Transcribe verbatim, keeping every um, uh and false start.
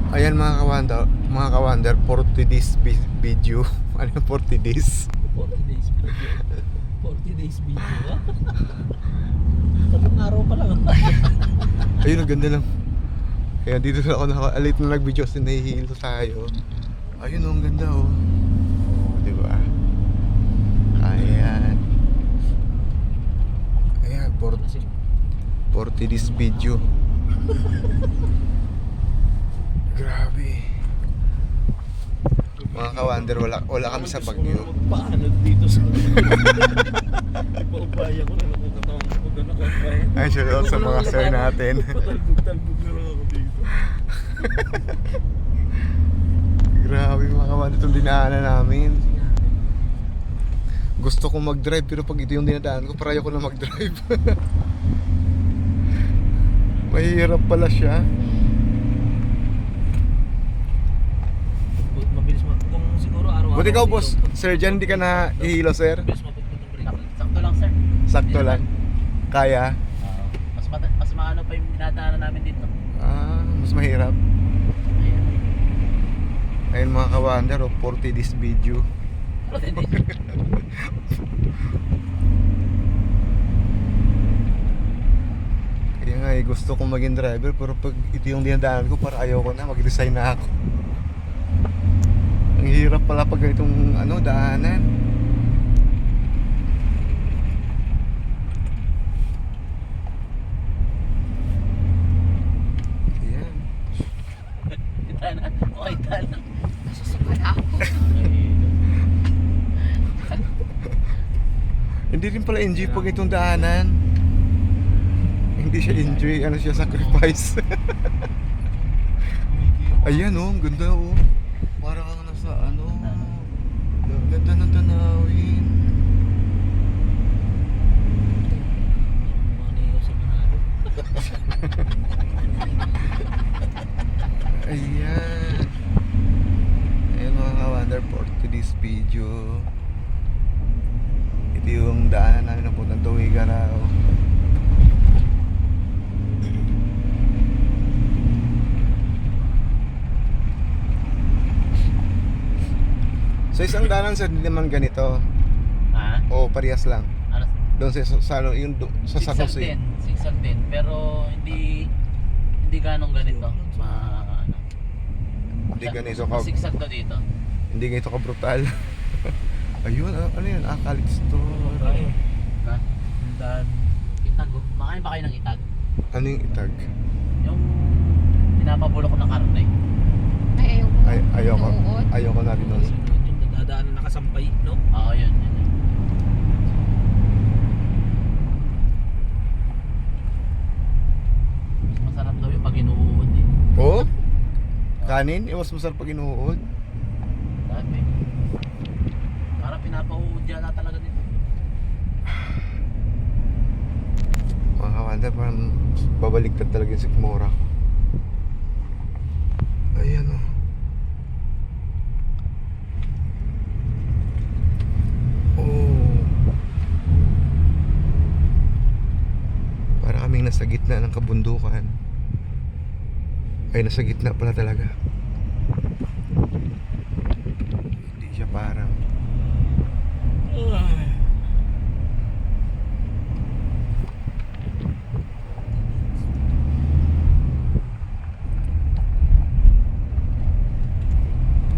Ayan mga kawander, mga kawander, forty days vi- video. Ano yung forty days? forty days video. forty days video. Tatlong araw pa lang. Ayun, ang ganda lang. Kaya dito na ako naka-alit na nag-video kasi nahihilo tayo. Ayun, oh, ang ganda oh. Oh, di ba? Ayan. Ayan, forty, forty days video. Grabe. Mga kawander, wala, wala kami sa Baguio. Paano dito sa ipaubaya ko na lang kung katawang ko na nakapaya. Ay, shout out sa mga sir natin. Patalbog-talbog na lang ako dito. Grabe mga kawander, itong dinaanan namin. Gusto kong mag-drive pero pag ito yung dinadaan ko, para ayoko na mag-drive. Mahirap pala siya. Mabilis mo. Kung siguro araw-araw. Buti ikaw boss, sir dyan hindi ka na ihilo sir? Mabilis mapagputong break. Sakto lang sir. Sakto lang. Kaya? Ah, mas mata- mas maano pa yung dinadaanan namin dito. Ah, mas mahirap. Ayan. Ayun mga kawander, oh, forty days video. Kaya nga eh, gusto kong maging driver pero pag ito yung dinadaanan ko, para ayoko na, mag-resign na ako. Ang hirap pala pag ganitong ano, daanan. Ayan. Tana. Okay, tana. Hindi rin pala enjoy pag itong daanan. Hindi siya enjoy, ano siya, sacrifice. Ayan oh, ang ganda oh. Para kang nasa ano, ang ganda ng tanawin. Mga niyo sa Manalo. Ayan. Ayan mga kawander, forty days video. Ito yung daanan namin na puntang Tuwigaraw. So isang daanan sir, hindi naman ganito. Ha? O parehas lang. Ano? Doon sa, sa, sa, yung, do- sa San Sigsag Jose. din. Sigsag din. Pero hindi hindi ganong ganito. Ma ano. Hindi ganito ka, Sigsag to dito. hindi ganito ka brutal. Ayun, ano, ano yun? Ah, Khalid Store. Tayo. Ha? Dan. Itag oh. Makain ba kayo ng itag? Ano yung itag? Yung pinapabulok ng karne. Ay, ayoko. Ay, ayoko. Nauuot. Ayoko na rin nun. Yung nadadaan na nakasampay, no? Oo, yun. yun, yun. Mas masarap daw yung pag inuud eh. Oh? Kanin? Eh, mas masarap pag inuod. Dati. Parang pinapauud yata talaga dito. Mga kawander, parang babaliktad talaga yung sikmura ko. Ayan oh. Oh. Para kaming nasa gitna ng kabundukan. Ay, nasa gitna pala talaga. Hindi siya parang Ah.